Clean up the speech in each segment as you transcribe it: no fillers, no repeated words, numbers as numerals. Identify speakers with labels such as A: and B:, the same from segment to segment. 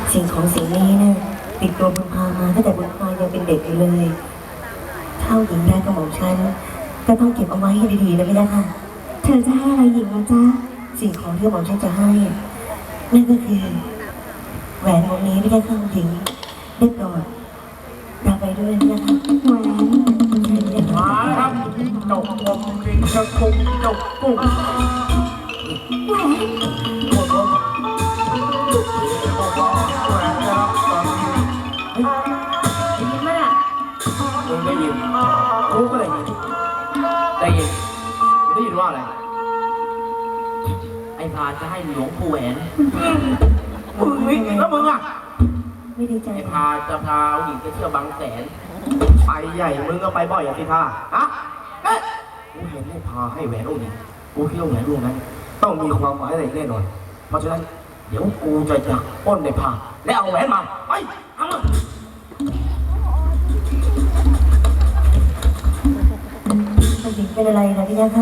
A: สิ่งของสิ่งนี้เนี่ยติดตัวบุญพามาตั้งแต่บุญพายังเป็นเด็กอยู่เลยเท่าหญิงได้กระหม่อมฉันก็ต้องเก็บเอาไว้ให้ดีๆนะพี่นะค่ะเธอจะให้อะไรหญิงนะจ๊ะสิ่งของที่กระหม่อมฉันจะให้นั่นก็คือแหวนวงนี้ไม่ได้เข้าถึงได้โปรดรับไปด้วยนะคะแหวน
B: มาครับจบวงกินจะคุกจบปุ๊บ
A: แหวน
B: หมดวงแหวนนะครับตอนนี้
A: ได้ยินไหมล่ะ
B: มึงได้ยินกูก็ได้ยินได้ยินได้ยินว่าอะไรไอ้พาจะให้หลวงปู่แหวนมึงแล้วมึงอ่ะ
A: ไม่ดีใจ
B: ไอ้พาจะพาหญิงไปเที่ยวบางแสนไปใหญ่มึงก็ไปบ่อยอย่างที่ท่าฮะกูเห็นไอ้พาให้แหวนองค์นี้กูคิดว่าแหวนวงนั้นต้องมีความหมายอะไรแน่นอนเพราะฉะนั้นเดี๋ยวกูจะจับป้นในพาและเอาแหวนมาไปเอามา
A: หญิงเป็นอะไรนะพี่ยักษ์ค่ะ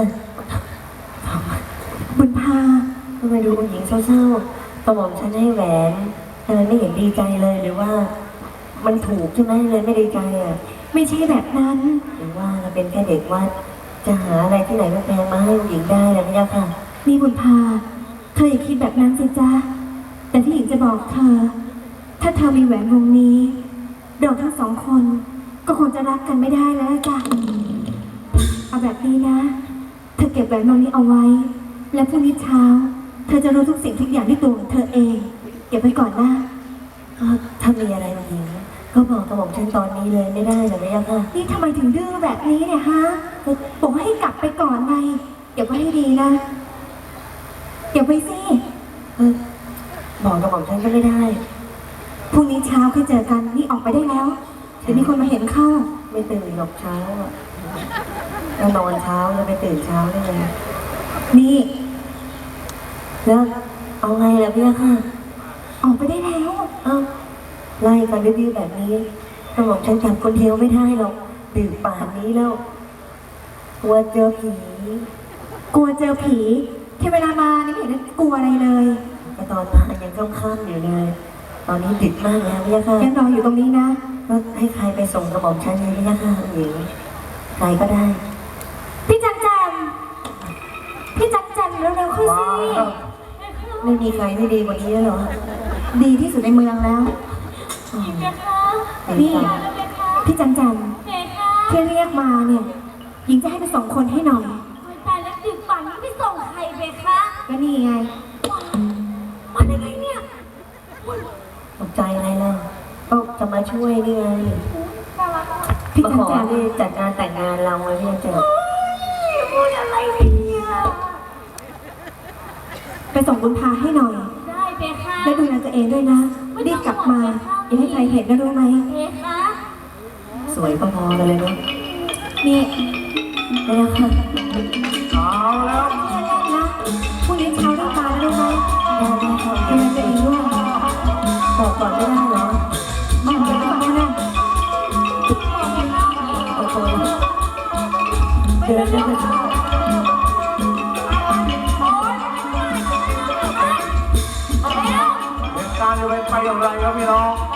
A: บุญพาทำไมดูหญิงเศร้าๆกระหม่อมฉันให้แหวนทำไมไม่เห็นดีใจเลยหรือว่ามันถูกใช่ไหมเลยไม่ดีใจอ่ะไม่ใช่แบบนั้นหรือว่าเราเป็นแค่เด็กวัดจะหาอะไรที่ไหนมาแพงมาให้หญิงได้นะพี่ยักษ์ค่ะนี่บุญพาเธออย่าคิดแบบนั้นสิจ๊ะแต่ที่หญิงจะบอกเธอถ้าเธอมีแหวนวงนี้เราทั้งสองคนก็คงจะรักกันไม่ได้แล้วจ้ะเอาแบบนี้นะเธอเก็บแหวนวงนี้เอาไว้และพรุ่งนี้เช้าเธอจะรู้ทุกสิ่งทุกอย่างที่ตัวของเธอเองเก็บไว้ก่อนนะถ้ามีอะไรมาหญิงก็บอกกระบอกฉันตอนนี้เลยไม่ได้หรือไม่ยังค่ะนี่ทำไมถึงดื้อแบบนี้เนี่ยฮะบอกให้กลับไปก่อนไงเก็บไว้ให้ดีนะเก็บไว้สิบอกกระบอกฉันก็ไม่ได้พรุ่งนี้เช้าค่อยเจอกันนี่ออกไปได้แล้วเดี๋ยวมีคนมาเห็นเข้าไม่ตื่นหรอกเช้าอ่ะแล้วนอนเช้าแล้วไปตื่นเช้าได้เลยนี่แล้วเอาไงล่ะพี่ค่ะออกไปได้แล้วไล่กันดื้อๆแบบนี้กระหม่อมฉันจับคนเดียวไม่ได้หรอกดื่มป่านนี้แล้วกลัวเจอผีที่เวลามานี่ไม่เห็นกลัวอะไรเลยแต่ตอนมายังค่ำๆอยู่เลยตอนนี้ดึกมากแล้วพี่ค่ะยังรออยู่ตรงนี้นะก็ให้ใครไปส่งกระหม่อมฉันเลยพี่ค่ะหญิงใครก็ได้พี่จันเร็วๆเข้าสิไม่มีใครที่ดีกว่านี้แล้วหรอดีที่สุดในเมืองแล้วนี่พี่จันที่เรียกมาเนี่ยหญิงจะให้ไปส่งคนให้หน่อยตายแล้วดึกป่านนี้ไปส่งใครไปคะก็นี่ไงมาได้ไงเนี่ยตกใจอะไรล่ะก็จะมาช่วยนี่ไงพี่จันที่จัดงานแต่งงานเราไว้พี่จันพูดอะไรเนี่ยไปส่งบุญพาให้หน่อยได้เบค่ะแล้วดูแลตัวเองด้วยนะรีบกลับมาอย่าให้ใครเห็นนะรู้ไหมเบค่ะสวยพอๆกันเลยเนาะนี่ได้แล้วค่ะ
B: เอาแล้ว
A: นะพรุ่งนี้เช้าต้องมาแล้วรู้ไหมได้ค่ะดูแลตัวเองด้วยบอกก่อนไม่ได้เหรอไม่เดี๋ยวก่อนนะโอ้โหเดินได้เลย
B: การจะไปอย่างไรครับพี่น้อง